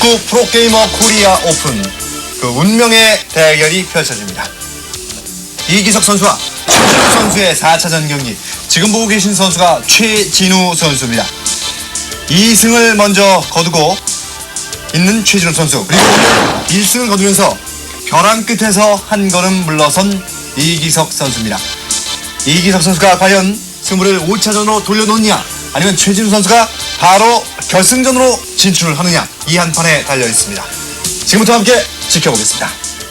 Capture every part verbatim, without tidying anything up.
축구 프로게이머 코리아 오픈 그 운명의 대결이 펼쳐집니다. 이기석 선수와 최진우 선수의 사 차전 경기. 지금 보고 계신 선수가 최진우 선수입니다. 이 승을 먼저 거두고 있는 최진우 선수, 그리고 오늘 일 승을 거두면서 벼랑 끝에서 한 걸음 물러선 이기석 선수입니다. 이기석 선수가 과연 승부를 오 차전으로 돌려놓느냐, 아니면 최진우 선수가 바로 결승전으로 진출을 하느냐, 이 한 판에 달려 있습니다. 지금부터 함께 지켜보겠습니다.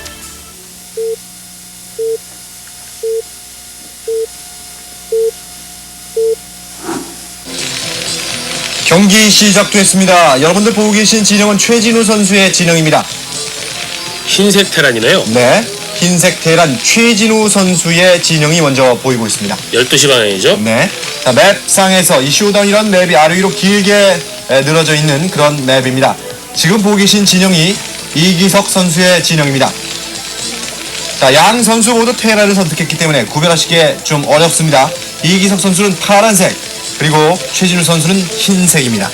경기 시작됐습니다. 여러분들 보고 계신 진영은 최진우 선수의 진영입니다. 흰색 테란이네요. 네, 흰색 테란 최진우 선수의 진영이 먼저 보이고 있습니다. 열두 시 방향이죠? 네, 자, 맵상에서 이 쇼다운이라는 맵이 아래 위로 길게 늘어져 있는 그런 맵입니다. 지금 보고 계신 진영이 이기석 선수의 진영입니다. 자, 양 선수 모두 테란을 선택했기 때문에 구별하시기에 좀 어렵습니다. 이기석 선수는 파란색, 그리고 최진우 선수는 흰색입니다.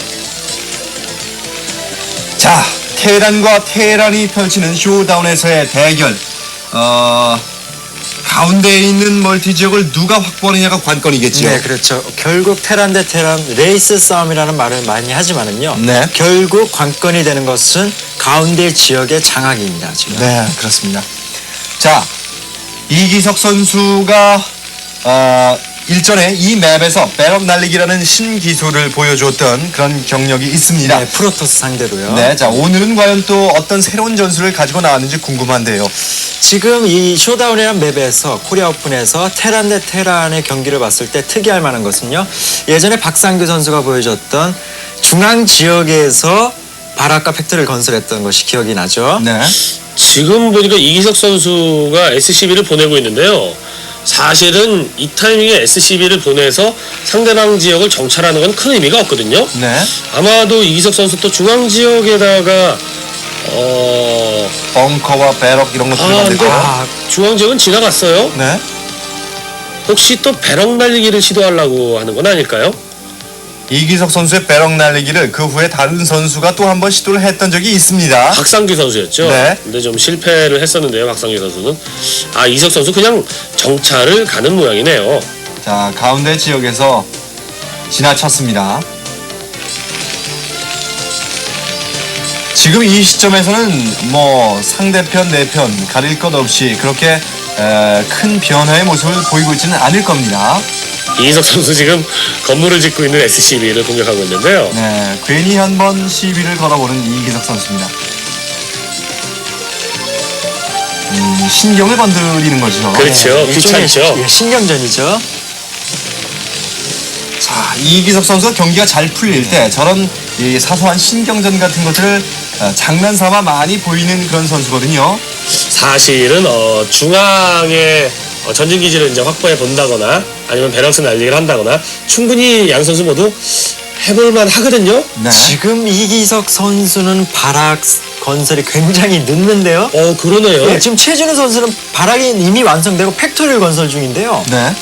자, 테란과 테란이 펼치는 쇼다운에서의 대결. 어... 가운데에 있는 멀티 지역을 누가 확보하느냐가 관건이겠죠. 네, 그렇죠. 결국 테란 대 테란 레이스 싸움이라는 말을 많이 하지만은요. 네. 결국 관건이 되는 것은 가운데 지역의 장악입니다, 지금. 네, 그렇습니다. 자, 이기석 선수가 어, 일전에 이 맵에서 배럭 날리기라는 신기술을 보여주었던 그런 경력이 있습니다. 네, 프로토스 상대로요. 네, 자, 오늘은 과연 또 어떤 새로운 전술을 가지고 나왔는지 궁금한데요. 지금 이 쇼다운이라는 맵에서 코리아 오픈에서 테란 대 테란의 경기를 봤을 때 특이할 만한 것은요. 예전에 박상규 선수가 보여줬던 중앙 지역에서 바락과 팩토리를 건설했던 것이 기억이 나죠. 네. 지금 보니까 이기석 선수가 에스씨비를 보내고 있는데요. 사실은 이 타이밍에 에스씨비를 보내서 상대방 지역을 정찰하는 건 큰 의미가 없거든요. 네. 아마도 이기석 선수 또 중앙 지역에다가 어... 벙커와 배럭 이런 것들을 아, 만들 근데 거예요. 아, 중앙 지역은 지나갔어요. 네. 혹시 또 배럭 날리기를 시도하려고 하는 건 아닐까요? 이기석 선수의 배럭 날리기를 그 후에 다른 선수가 또 한 번 시도를 했던 적이 있습니다. 박상규 선수였죠. 네. 근데 좀 실패를 했었는데요, 박상규 선수는. 아, 이석 선수 그냥 정찰을 가는 모양이네요. 자, 가운데 지역에서 지나쳤습니다. 지금 이 시점에서는 뭐 상대편 내편 가릴 것 없이 그렇게 에, 큰 변화의 모습을 보이고 있지는 않을 겁니다. 이석 선수 지금 건물을 짓고 있는 에스씨비를 공격하고 있는데요. 네, 괜히 한번 시비를 걸어보는 이기석 선수입니다. 음, 신경을 건드리는 거죠. 그렇죠. 네, 일종의 귀찮죠. 시- 예, 신경전이죠. 자, 이기석 선수가 경기가 잘 풀릴 때 저런 이 사소한 신경전 같은 것들을 어, 장난삼아 많이 보이는 그런 선수거든요. 사실은 어, 중앙에 어, 전진기지를 이제 확보해 본다거나 아니면 밸런스 날리기를 한다거나 충분히 양 선수 모두 해볼만 하거든요. 네. 지금 이기석 선수는 바락 건설이 굉장히 늦는데요. 어, 그러네요. 네, 지금 최진우 선수는 바락이 이미 완성되고 팩토리를 건설 중인데요. 네.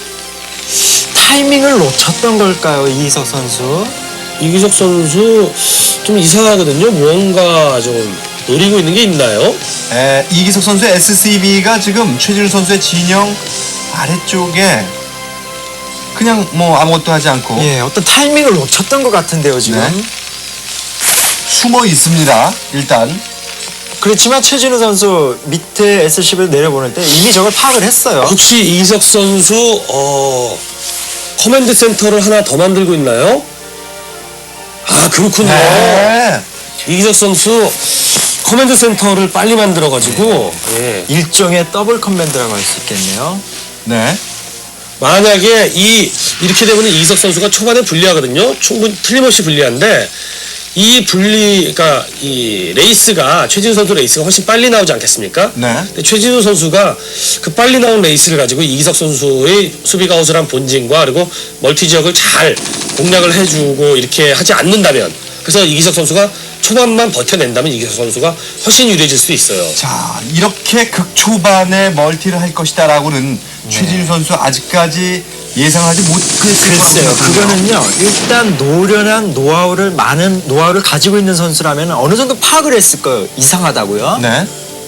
타이밍을 놓쳤던 걸까요, 이기석 선수? 이기석 선수 좀 이상하거든요. 뭔가 좀 노리고 있는 게 있나요? 에, 이기석 선수의 에스씨비가 지금 최진우 선수의 진영 아래쪽에 그냥 뭐 아무것도 하지 않고 예, 어떤 타이밍을 놓쳤던 것 같은데요, 지금. 네. 숨어 있습니다. 일단 그렇지만 최진우 선수 밑에 에스씨비를 내려보낼 때 이미 저걸 파악을 했어요. 혹시 이기석 선수 어, 커맨드 센터를 하나 더 만들고 있나요? 아, 그렇군요. 네. 이기석 선수 커맨드 센터를 빨리 만들어가지고 예. 일종의 더블 커맨드라고 할 수 있겠네요. 네. 만약에 이 이렇게 되면 이기석 선수가 초반에 불리하거든요. 충분히 틀림없이 불리한데 이 분리, 그러니까 이 레이스가 최진우 선수 레이스가 훨씬 빨리 나오지 않겠습니까? 네. 근데 최진우 선수가 그 빨리 나온 레이스를 가지고 이기석 선수의 수비가 허술한 본진과 그리고 멀티 지역을 잘 공략을 해주고 이렇게 하지 않는다면, 그래서 이기석 선수가 초반만 버텨낸다면 이기석 선수가 훨씬 유리해질 수도 있어요. 자, 이렇게 극초반에 멀티를 할 것이다라고는 최진우 선수 아직까지 예상하지 못했을 거라고 글쎄요. 생각합니다. 그거는요. 일단 노련한 노하우를 많은 노하우를 가지고 있는 선수라면 어느 정도 파악을 했을 거예요. 이상하다고요. 네.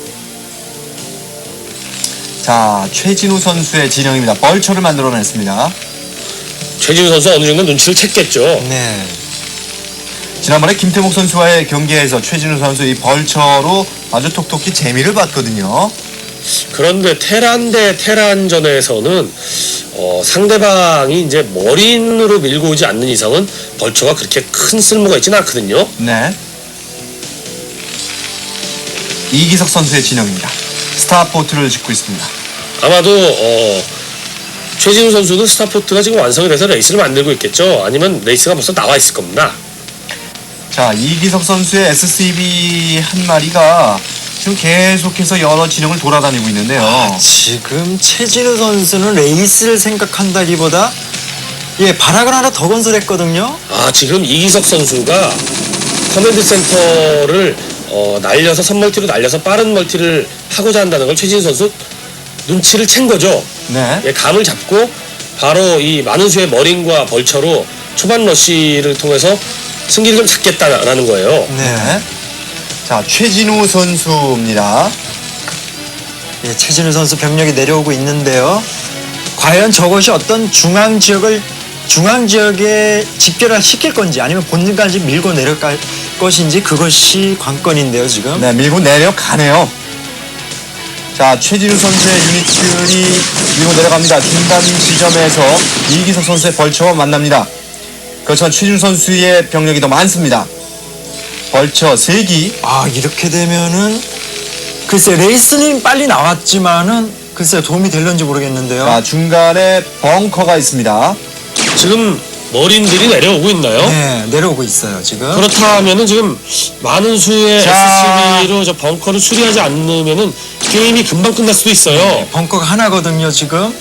자, 최진우 선수의 진영입니다. 벌처를 만들어냈습니다. 최진우 선수 어느 정도 눈치를 챘겠죠. 네. 지난번에 김태목 선수와의 경기에서 최진우 선수 이 벌처로 아주 톡톡히 재미를 봤거든요. 그런데 테란 대 테란전에서는 어, 상대방이 이제 머린으로 밀고 오지 않는 이상은 벌처가 그렇게 큰 쓸모가 있지는 않거든요. 네. 이기석 선수의 진영입니다. 스타포트를 짓고 있습니다. 아마도 어, 최진우 선수도 스타포트가 지금 완성이 돼서 레이스를 만들고 있겠죠. 아니면 레이스가 벌써 나와 있을 겁니다. 자, 이기석 선수의 에스씨비 한 마리가 지금 계속해서 여러 진영을 돌아다니고 있는데요. 아, 지금 최진우 선수는 레이스를 생각한다기보다 예 발악을 하나 더 건설했거든요. 아, 지금 이기석 선수가 커맨드 센터를 어, 날려서 선멀티로 날려서 빠른 멀티를 하고자 한다는 걸 최진우 선수 눈치를 챈 거죠. 네. 예, 감을 잡고 바로 이 많은 수의 머린과 벌처로 초반 러쉬를 통해서 승기를 좀 잡겠다라는 거예요. 네. 자, 최진우 선수입니다. 예, 최진우 선수 병력이 내려오고 있는데요. 과연 저것이 어떤 중앙 지역을 중앙 지역에 집결을 시킬 건지 아니면 본진까지 밀고 내려갈 것인지 그것이 관건인데요, 지금. 네, 밀고 내려가네요. 자, 최진우 선수의 유닛들이 밀고 내려갑니다. 중간 지점에서 이기석 선수의 벌처와 만납니다. 그렇지만 최진우 선수의 병력이 더 많습니다. 벌처 세 기. 아, 이렇게 되면은 글쎄 레이스는 빨리 나왔지만은 글쎄 도움이 될런지 모르겠는데요. 자, 중간에 벙커가 있습니다. 지금 머린들이 내려오고 있나요? 네, 내려오고 있어요, 지금. 그렇다면은 지금 많은 수의 자. 에스씨비로 저 벙커를 수리하지 않으면은 게임이 금방 끝날 수도 있어요. 벙커가 하나거든요, 지금.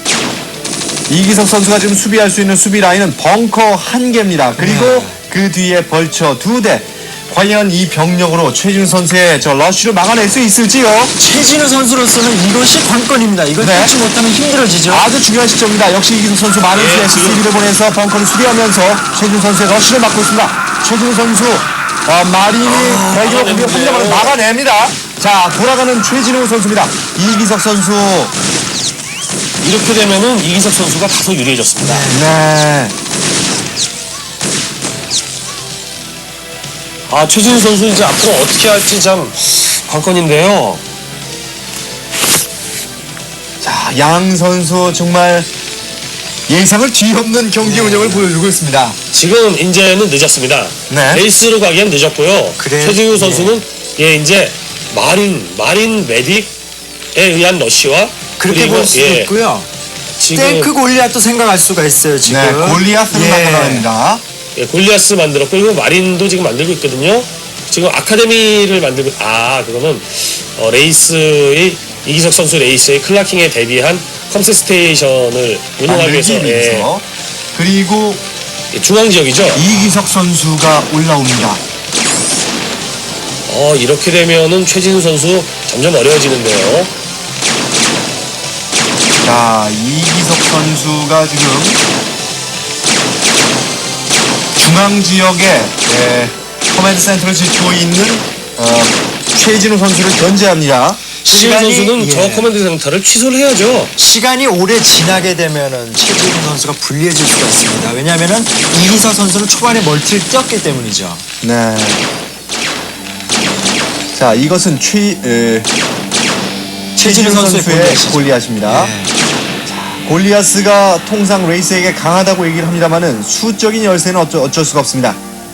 이기석 선수가 지금 수비할 수 있는 수비 라인은 벙커 한 개입니다. 그리고 네. 그 뒤에 벌처 두 대. 과연 이 병력으로 최진우 선수의 저 러쉬를 막아낼 수 있을지요? 최진우 선수로서는 이것이 관건입니다. 이걸 네. 뚫지 못하면 힘들어지죠. 아주 중요한 시점입니다. 역시 이기석 선수 많은 예, 수의 에스씨비를 보내서 벙커를 수비하면서 최진우 선수의 러쉬를 막고 있습니다. 최진우 선수 어, 마린이 대기업 공격 한 막아냈네요. 점을 막아냅니다. 자, 돌아가는 최진우 선수입니다. 이기석 선수. 이렇게 되면은 이기석 선수가 다소 유리해졌습니다. 네. 아, 최진우 선수 이제 앞으로 어떻게 할지 참 관건인데요. 자, 양 선수 정말 예상을 뒤엎는 경기 운영을 보여주고 있습니다. 지금 이제는 늦었습니다. 네. 레이스로 가기엔 늦었고요. 그래, 최진우 선수는 예 이제 마린 마린 메딕에 의한 러쉬와 그렇게 그리고, 볼 수도 예, 있고요. 지금 탱크 골리앗도 생각할 수가 있어요, 지금. 네, 골리아스를 예. 만들어냅니다. 예, 골리아스 만들었고 그리고 마린도 지금 만들고 있거든요. 지금 아카데미를 만들고 아 그거는 어, 레이스의 이기석 선수 레이스의 클라킹에 대비한 컴스 스테이션을 운영하기 위해서 만들기 예, 위해서. 그리고 예, 중앙 지역이죠. 이기석 선수가 올라옵니다. 어 이렇게 되면은 최진우 선수 점점 어려워지는데요. 자, 이기석 선수가 지금 중앙 지역에 예, 커맨드 센터를 짓고 있는 어, 최진우 선수를 견제합니다. 최진우 시간이- 선수는 예. 저 커맨드 센터를 취소를 해야죠. 시간이 오래 지나게 되면은 최진우 선수가 불리해질 수가 있습니다. 왜냐하면은 이기석 선수는 초반에 멀티를 뛰었기 때문이죠. 네. 자, 이것은 최 에, 최진우 선수의 골리앗이죠. 골리앗입니다. 예. 골리아스가 통상 레이스에게 강하다고 얘기를 합니다만은 수적인 열세는 어쩌, 어쩔 수가 없습니다.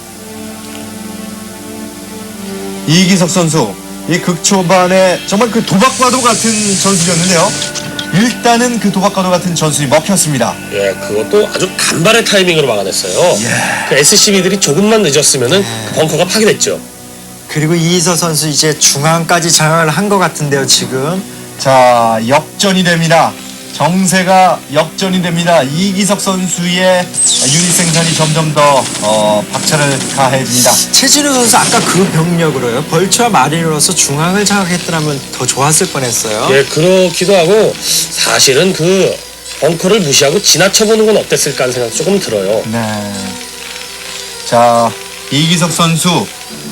이기석 선수, 이 극초반에 정말 그 도박과도 같은 전술이었는데요. 일단은 그 도박과도 같은 전술이 먹혔습니다. 예, 그것도 아주 간발의 타이밍으로 막아냈어요. 예. 그 에스씨비들이 조금만 늦었으면은 그 벙커가 파괴됐죠. 그리고 이기석 선수 이제 중앙까지 장악을 한 것 같은데요, 지금. 자, 역전이 됩니다. 정세가 역전이 됩니다. 이기석 선수의 유닛 생산이 점점 더 어, 박차를 가해집니다. 최진우 선수 아까 그 병력으로요. 벌처와 마린으로서 중앙을 장악했더라면 더 좋았을 뻔했어요. 예, 그렇기도 하고 사실은 그 벙커를 무시하고 지나쳐보는 건 어땠을까 하는 생각 조금 들어요. 네. 자, 이기석 선수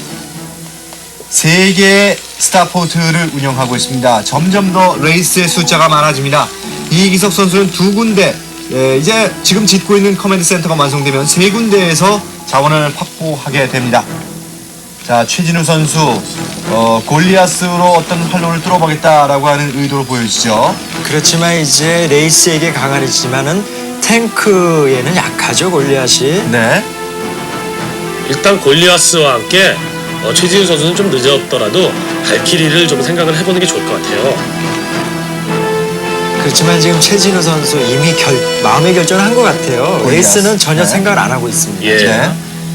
세 개의 스타포트를 운영하고 있습니다. 점점 더 레이스의 숫자가 많아집니다. 이기석 선수는 두 군데, 예, 이제 지금 짓고 있는 커맨드 센터가 완성되면 세 군데에서 자원을 확보하게 됩니다. 자, 최진우 선수 어, 골리아스로 어떤 활로를 뚫어보겠다라고 하는 의도를 보여주죠. 그렇지만 이제 레이스에게 강하지만은 탱크에는 약하죠, 골리앗이. 네. 일단 골리아스와 함께 어, 최진우 선수는 좀 늦었더라도 발키리를 좀 생각을 해보는 게 좋을 것 같아요. 그렇지만 지금 최진우 선수 이미 결, 마음의 결정을 한 것 같아요. 골리앗. 레이스는 전혀 네. 생각을 안 하고 있습니다. 예. 네.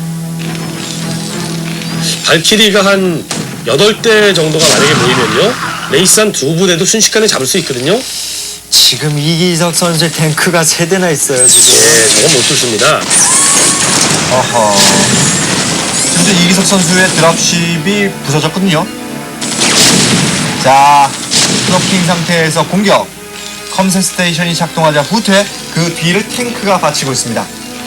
발키리가 한 여덟 대 정도가 만약에 모이면요, 레이스 한 두 부대도 순식간에 잡을 수 있거든요. 지금 이기석 선수의 탱크가 세 대나 있어요, 지금. 예, 저건 못 뚫습니다. 어허. 현재 이기석 선수의 드랍십이 부서졌거든요. 자, 트로킹 상태에서 공격. 컴셋 스테이션이 작동하자 후퇴. 그 뒤를 탱크가 받치고 있습니다.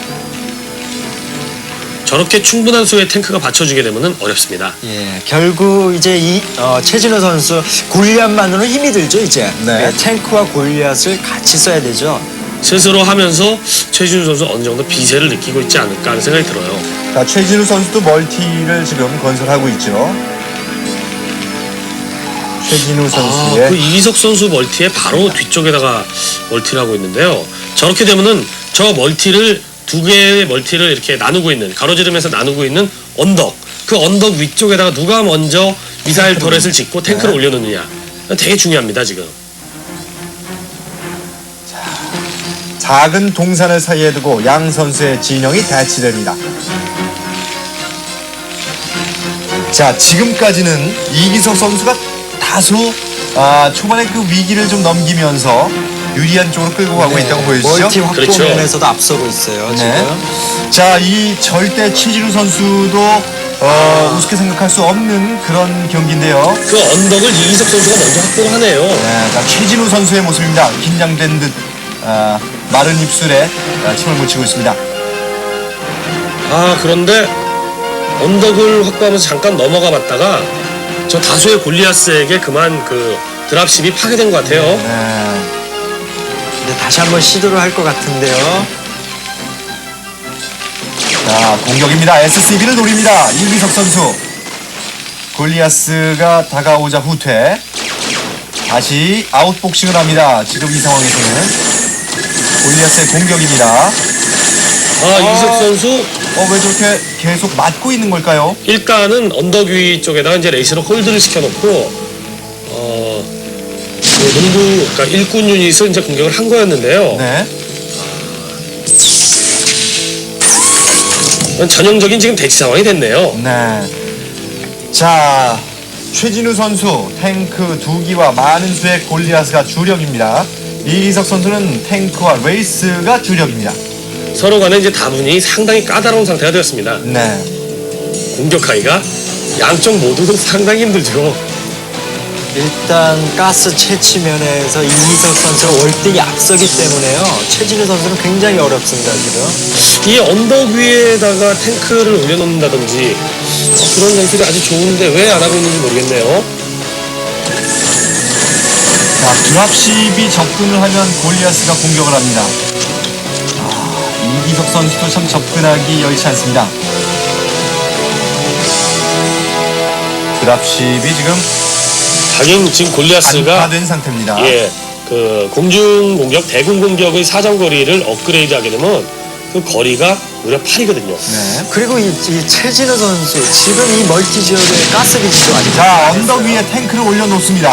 저렇게 충분한 수의 탱크가 받쳐주게 되면 어렵습니다. 예, 결국 이제 이 어, 최진우 선수 골리앗만으로는 힘이 들죠, 이제. 네. 예, 탱크와 골리앗을 같이 써야 되죠. 스스로 하면서 최진우 선수 어느 정도 비세를 느끼고 있지 않을까 하는 생각이 들어요. 자, 최진우 선수도 멀티를 지금 건설하고 있죠. 최진우 아, 선수의 그 이기석 선수 멀티에 바로 뒤쪽에다가 멀티를 하고 있는데요. 저렇게 되면은 저 멀티를 두 개의 멀티를 이렇게 나누고 있는, 가로지르면서 나누고 있는 언덕, 그 언덕 위쪽에다가 누가 먼저 미사일 터렛을 짓고 탱크를 네. 올려놓느냐, 되게 중요합니다 지금. 작은 동산을 사이에 두고 양 선수의 진영이 대치됩니다. 자, 지금까지는 이기석 선수가 다소 아, 초반에 그 위기를 좀 넘기면서 유리한 쪽으로 끌고 가고 네, 있다고 보여주죠. 멀티 확보 그렇죠. 면에서도 앞서고 있어요, 네. 지금. 자, 이 절대 최진우 선수도 어, 우습게 생각할 수 없는 그런 경기인데요. 그 언덕을 이기석 선수가 먼저 확보를 하네요. 네, 자, 최진우 선수의 모습입니다. 긴장된 듯 아, 마른 입술에 아, 침을 묻히고 있습니다. 아, 그런데 언덕을 확보하면서 잠깐 넘어가 봤다가 저 다수의 골리아스에게 그만 그 드랍십이 파괴된 것 같아요. 네. 근데 다시 한번 시도를 할 것 같은데요. 자, 공격입니다. 에스씨비를 노립니다. 이기석 선수. 골리아스가 다가오자 후퇴. 다시 아웃복싱을 합니다. 지금 이 상황에서는 골리아스의 공격입니다. 아, 이기석 선수 어, 왜 저렇게 계속 맞고 있는 걸까요? 일단은 언덕 위 쪽에다가 이제 레이스로 홀드를 시켜놓고 어, 그 농구, 그러니까 일군 유닛을 이제 공격을 한 거였는데요. 네. 전형적인 지금 대치 상황이 됐네요. 네. 자, 최진우 선수 탱크 두 기와 많은 수의 골리아스가 주력입니다. 이기석 선수는 탱크와 레이스가 주력입니다. 서로 간에 이제 다분히 상당히 까다로운 상태가 되었습니다. 네. 공격하기가 양쪽 모두 상당히 힘들죠. 일단 가스 채취 면에서 이기석 선수가 월등히 앞서기 때문에요. 최진우 선수는 굉장히 어렵습니다, 지금. 이 언덕 위에다가 탱크를 올려놓는다든지 어, 그런 장치도 아주 좋은데 왜 안 하고 있는지 모르겠네요. 자, 드랍십이 접근을 하면 골리아스가 공격을 합니다. 아, 이기석 선수도 참 접근하기 여의치 않습니다. 드랍십이 지금 하긴 지금 골리아스가 안파된 상태입니다. 예, 그 공중 공격, 대공 공격의 사정 거리를 업그레이드하게 되면 그 거리가 무려 팔이거든요. 네. 그리고 이, 이 최진우 선수 지금 이 멀티 지역의 가스 기지도 아직 자, 언덕 위에 탱크를 올려놓습니다.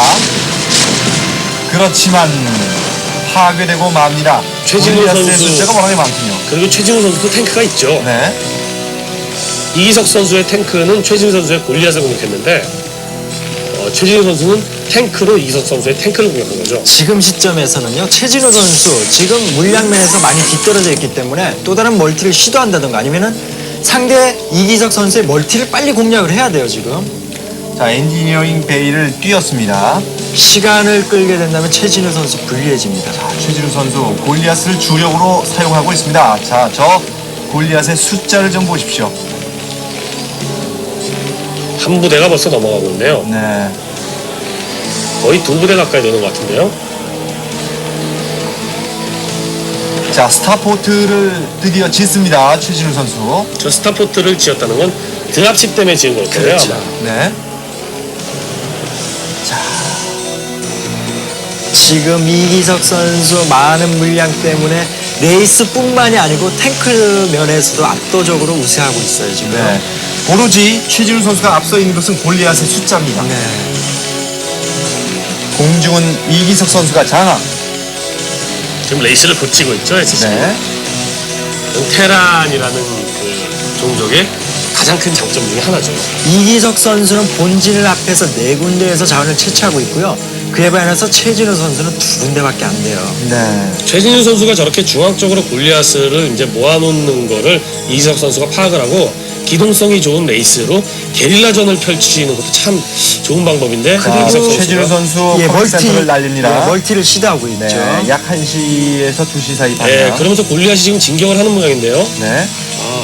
그렇지만 파괴되고 맙니다. 최진우 골리아스의 선수. 숫자가 워낙에 많군요. 그리고 최진우 선수도 탱크가 있죠. 네. 이기석 선수의 탱크는 최진우 선수의 골리앗을 공격했는데 어, 최진우 선수는 탱크로 이기석 선수의 탱크를 공격한 거죠. 지금 시점에서는요, 최진우 선수 지금 물량면에서 많이 뒤떨어져 있기 때문에 또 다른 멀티를 시도한다든가 아니면은 상대 이기석 선수의 멀티를 빨리 공략을 해야 돼요, 지금. 자, 엔지니어링 베이를 뛰었습니다. 시간을 끌게 된다면 최진우 선수 불리해집니다. 자, 최진우 선수 골리앗을 주력으로 사용하고 있습니다. 자, 저 골리앗의 숫자를 좀 보십시오. 한 부대가 벌써 넘어가고 있네요. 네. 거의 두 부대 가까이 되는 것 같은데요. 자, 스타포트를 드디어 짓습니다. 최진우 선수. 저 스타포트를 지었다는 건 드랍십 때문에 지은 걸 거예요. 그렇죠. 아마. 네. 지금 이기석 선수 많은 물량 때문에 레이스뿐만이 아니고 탱크 면에서도 압도적으로 우세하고 있어요, 지금. 네. 오로지 최진우 선수가 앞서 있는 것은 골리앗의 숫자입니다. 네. 공중은 이기석 선수가 장악. 지금 레이스를 붙이고 있죠, 에스씨비. 네. 테란이라는 그 종족의 가장 큰 장점 중에 하나죠. 이기석 선수는 본진을 앞에서 네 군데에서 자원을 채취하고 있고요. 그에 반해서 최진우 선수는 두 군데밖에 안 돼요. 네. 최진우 선수가 저렇게 중앙 쪽으로 골리앗을 이제 모아놓는 거를 이기석 선수가 파악을 하고 기동성이 좋은 레이스로 게릴라전을 펼치는 것도 참 좋은 방법인데 자, 이기석 선수가 최진우 선수 예, 멀티, 센터를 날립니다. 예, 멀티를 시도하고 있죠. 네, 약 한 시에서 두 시 사이 방향. 네, 그러면서 골리앗이 지금 진격을 하는 모양인데요. 네. 아,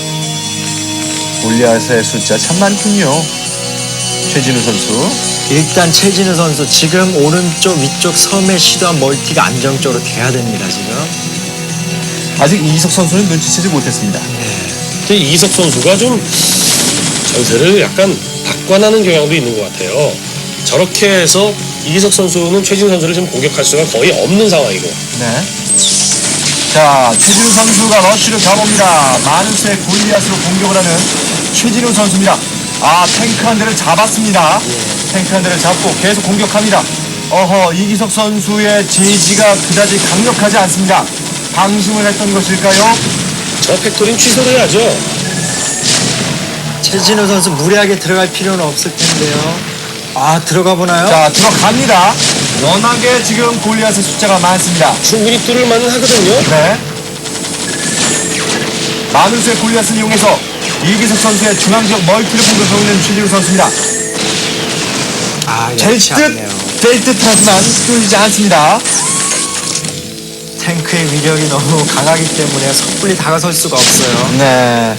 골리앗의 숫자 참 많군요. 최진우 선수. 일단 최진우 선수 지금 오른쪽 위쪽 섬에 시도한 멀티가 안정적으로 돼야 됩니다, 지금. 아직 이기석 선수는 눈치채지 못했습니다. 근데 이기석 선수가 좀 전세를 약간 박관하는 경향도 있는 것 같아요. 저렇게 해서 이기석 선수는 최진우 선수를 지금 공격할 수가 거의 없는 상황이고. 네. 자, 최진우 선수가 러쉬를 가봅니다. 많은 수의 골리앗으로 공격을 하는 최진우 선수입니다. 아, 탱크 한 대를 잡았습니다. 탱크 한 대를 잡고 계속 공격합니다. 어허, 이기석 선수의 제지가 그다지 강력하지 않습니다. 방심을 했던 것일까요? 저 팩토리는 취소를 해야죠. 최진우 선수 무리하게 들어갈 필요는 없을 텐데요. 아, 들어가 보나요? 자, 들어갑니다. 워낙에 지금 골리앗의 숫자가 많습니다. 충분히 뚫을 만은 하거든요. 네. 많은 수의 골리앗을 이용해서 이기석 선수의 중앙지역 멀티를 공격하고 있는 최진우 선수입니다. 아, 될 역시 듯, 않네요. 될 듯하지만 뚫리지 않습니다. 탱크의 위력이 너무 강하기 때문에 섣불리 다가설 수가 없어요. 네.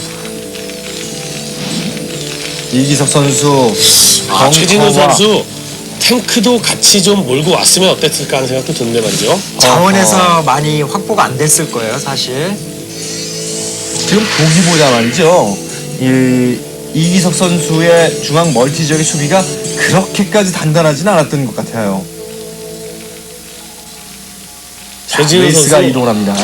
이기석 선수. 아, 최진우 벙커와- 선수 탱크도 같이 좀 몰고 왔으면 어땠을까 하는 생각도 드는데 말이죠. 자원에서 어허. 많이 확보가 안 됐을 거예요, 사실. 지금 보기보다 말이죠. 이 이기석 선수의 중앙 멀티 지역의 수비가 그렇게까지 단단하진 않았던 것 같아요. 자, 최진우 레이스가 선수. 이동을 합니다.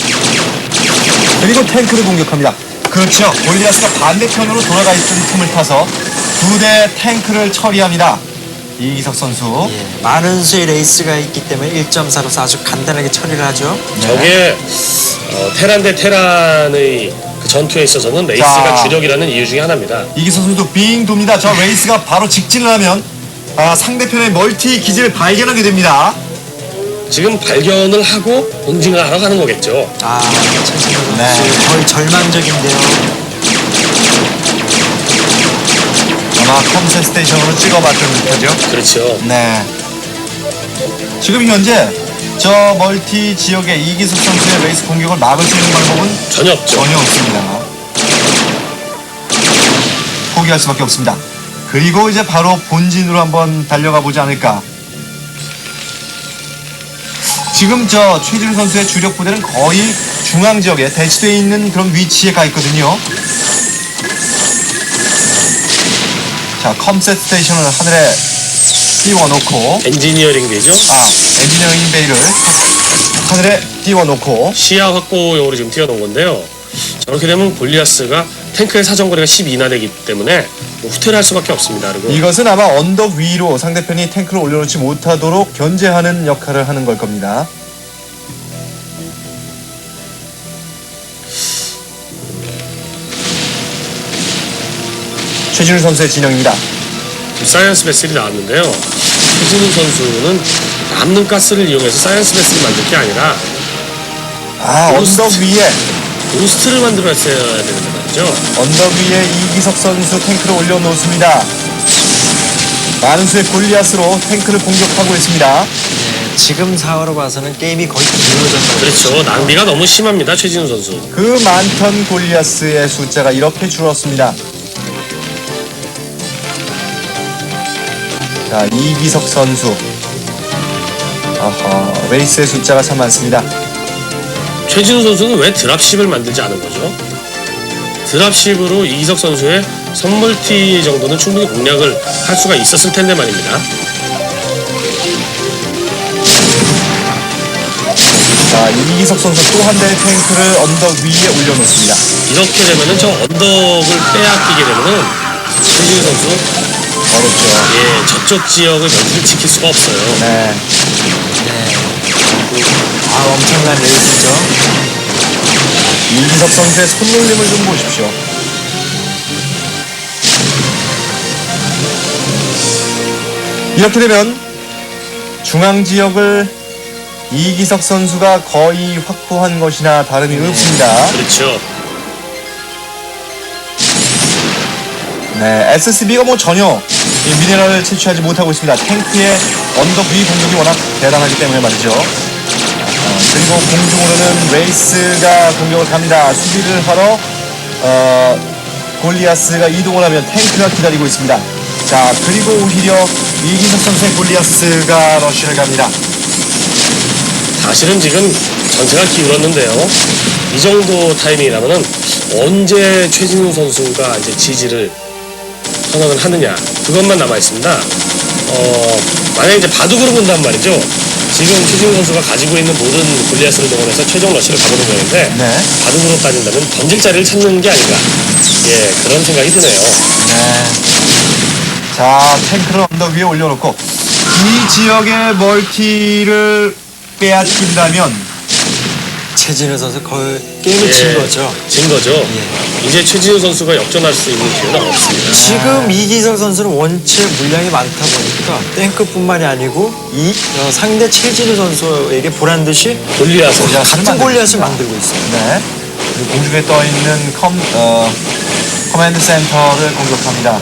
그리고 탱크를 공격합니다. 그렇죠. 골리앗가 반대편으로 돌아가 있던 틈을 타서 두 대 탱크를 처리합니다. 이기석 선수. 예, 많은 수의 레이스가 있기 때문에 일 점 사로서 아주 간단하게 처리를 하죠. 저게 어, 테란 대 테란의 그 전투에 있어서는 레이스가 자. 주력이라는 이유 중에 하나입니다. 이기석 선수도 빙 돕니다. 저 레이스가 바로 직진을 하면 아, 상대편의 멀티 기지를 발견하게 됩니다. 지금 발견을 하고 응징을 하러 가는 거겠죠. 아, 최진우 선수 네. 거의 절망적인데요. 아마 컴셋 스테이션으로 찍어봤던 듯하죠. 그렇죠. 네. 지금 현재 저 멀티 지역의 이기석 선수의 레이스 공격을 막을 수 있는 방법은 전혀 없죠. 전혀 없습니다. 포기할 수밖에 없습니다. 그리고 이제 바로 본진으로 한번 달려가 보지 않을까. 지금 저 최진우 선수의 주력 부대는 거의 중앙 지역에 대치되어 있는 그런 위치에 가 있거든요. 자, 컴셋 스테이션을 하늘에 띄워놓고, 엔지니어링 되죠. 아, 엔지니어링 베이를 하늘에 띄워놓고, 시야 확보용으로 지금 띄워놓은 건데요. 저렇게 되면 골리아스가 탱크의 사정거리가 십이나 되기 때문에 뭐 후퇴를 할 수밖에 없습니다. 그리고 이것은 아마 언덕 위로 상대편이 탱크를 올려놓지 못하도록 견제하는 역할을 하는 걸 겁니다. 최진우 선수의 진영입니다. 사이언스 베슬이 나왔는데요. 최진우 선수는 남는 가스를 이용해서 사이언스 베슬을 만들 게 아니라 아, 로스트. 언덕 위에 로스트를 만들었어야 되는데 말이죠. 언덕 위에 이기석 선수 탱크를 올려놓습니다. 많은 수의 골리앗으로 탱크를 공격하고 있습니다. 네, 지금 상황으로 봐서는 게임이 거의 길어졌다고. 그렇죠. 낭비가 너무 심합니다. 최진우 선수. 그 많던 골리앗의 숫자가 이렇게 줄었습니다. 자, 이기석 선수. 어허, 레이스의 숫자가 참 많습니다. 최진우 선수는 왜 드랍십을 만들지 않은 거죠? 드랍십으로 이기석 선수의 선물티 정도는 충분히 공략을 할 수가 있었을 텐데 말입니다. 자, 이기석 선수 또 한 대의 탱크를 언덕 위에 올려놓습니다. 이렇게 되면은 저 언덕을 빼앗기게 되면은 최진우 선수 어렵죠. 예 저쪽 지역을 면피를 지킬 수가 없어요. 네. 네. 아, 엄청난 레이스죠. 이기석 선수의 손놀림을 좀 보십시오. 이렇게 되면 중앙 지역을 이기석 선수가 거의 확보한 것이나 다름이 없습니다. 그렇죠. 네, 에스에스비가 뭐 전혀 이 미네랄을 채취하지 못하고 있습니다. 탱크의 언덕 위 공격이 워낙 대단하기 때문에 말이죠. 어, 그리고 공중으로는 레이스가 공격을 갑니다. 수비를 하러 어, 골리아스가 이동을 하면 탱크가 기다리고 있습니다. 자, 그리고 오히려 이기석 선수의 골리아스가 러쉬를 갑니다. 사실은 지금 전세가 기울었는데요. 이 정도 타이밍이라면은 언제 최진우 선수가 이제 지지를 선언을 하느냐 그것만 남아 있습니다. 어 만약에 이제 바둑으로 본단 말이죠. 지금 최진우 선수가 가지고 있는 모든 골리앗을 동원해서 최종 러시를 가보는 거였는데 네. 바둑으로 따진다면 던질 자리를 찾는 게 아닌가. 예 그런 생각이 드네요. 네. 자, 탱크를 언덕 위에 올려놓고 이 지역의 멀티를 빼앗긴다면 최진우 선수 거의 게임을 진 거죠. 진 거죠. 예. 이제 최진우 선수가 역전할 수 있는 기회는 없습니다. 지금 이기석 선수는 원체 물량이 많다 보니까 탱크뿐만이 아니고 이 어, 상대 최진우 선수에게 보란 듯이 골리앗을 골리앗을 같은 골리앗을 만들고 있어요. 네. 그리고 공중에 떠 있는 컴 어, 커맨드 센터를 공격합니다.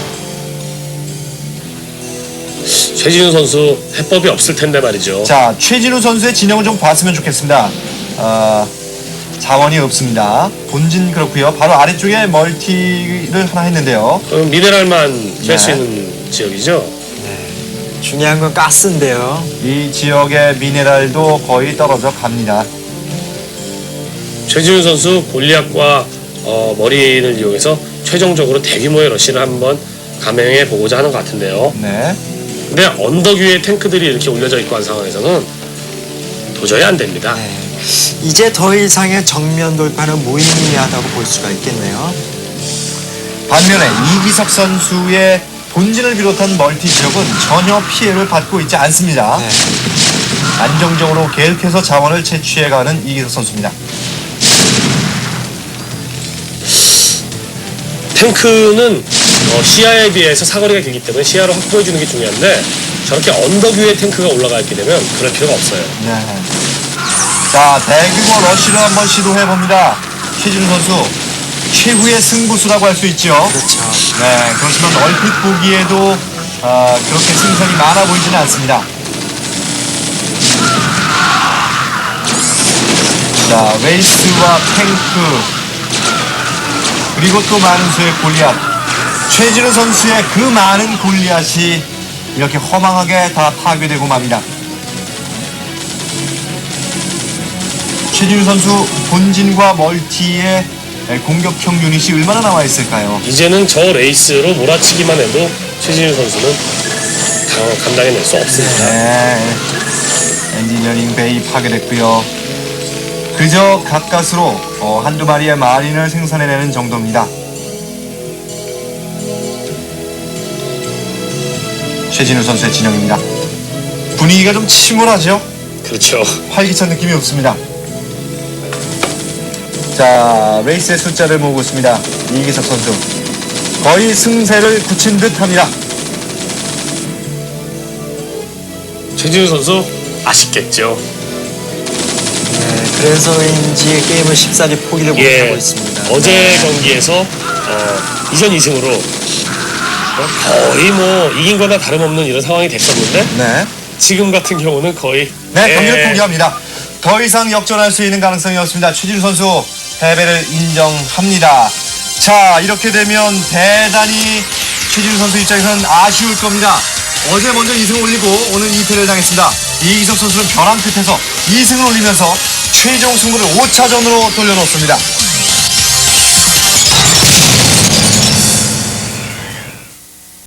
최진우 선수 해법이 없을 텐데 말이죠. 자, 최진우 선수의 진영을 좀 봤으면 좋겠습니다. 어, 자원이 없습니다. 본진 그렇고요. 바로 아래쪽에 멀티를 하나 했는데요. 그럼 미네랄만 깰 수 네. 있는 지역이죠. 중요한 건 가스인데요. 이 지역의 미네랄도 거의 떨어져 갑니다. 최진우 선수 골리앗과 어, 머리를 이용해서 최종적으로 대규모의 러시를 한번 감행해 보고자 하는 것 같은데요. 네. 근데 언덕 위에 탱크들이 이렇게 올려져 있고 한 상황에서는 도저히 안 됩니다. 네. 이제 더 이상의 정면 돌파는 무의미하다고 볼 수가 있겠네요. 반면에 이기석 선수의 본진을 비롯한 멀티 지역은 전혀 피해를 받고 있지 않습니다. 네. 안정적으로 계속해서 자원을 채취해가는 이기석 선수입니다. 탱크는 어, 시야에 비해서 사거리가 길기 때문에 시야를 확보해 주는 게 중요한데 저렇게 언덕 위에 탱크가 올라가 있게 되면 그럴 필요가 없어요. 네. 자, 대규모 러쉬를 한번 시도해봅니다. 최진우 선수 최후의 승부수라고 할 수 있죠. 그렇죠. 네, 그렇지만 얼핏 보기에도 아, 그렇게 승산이 많아 보이지는 않습니다. 자, 레이스와 탱크 그리고 또 많은 수의 골리앗. 최진우 선수의 그 많은 골리앗이 이렇게 허망하게 다 파괴되고 맙니다. 최진우 선수 본진과 멀티의 공격형 유닛이 얼마나 남아 있을까요? 이제는 저 레이스로 몰아치기만 해도 최진우 선수는 당- 감당해낼 수 없습니다. 네. 엔지니어링 베이 파괴됐고요. 그저 가까스로 어, 한두 마리의 마린을 생산해내는 정도입니다. 최진우 선수의 진영입니다. 분위기가 좀 침울하죠? 그렇죠. 활기찬 느낌이 없습니다. 자, 레이스의 숫자를 모으고 있습니다. 이기석 선수. 거의 승세를 굳힌 듯 합니다. 최진우 선수 아쉽겠죠. 네, 그래서인지 게임을 쉽사리 포기를 예, 못하고 있습니다. 어제 경기에서 어, 이전 이 승으로 거의 뭐 이긴 거나 다름없는 이런 상황이 됐었는데 네. 지금 같은 경우는 거의 네, 경기를 예, 포기합니다. 더 이상 역전할 수 있는 가능성이 없습니다. 최진우 선수 패배를 인정합니다. 자, 이렇게 되면 대단히 최진우 선수 입장에서는 아쉬울 겁니다. 어제 먼저 이 승을 올리고 오늘 이 패를 당했습니다. 이기석 선수는 벼랑 끝에서 이 승을 올리면서 최종 승부를 오 차전으로 돌려놓습니다.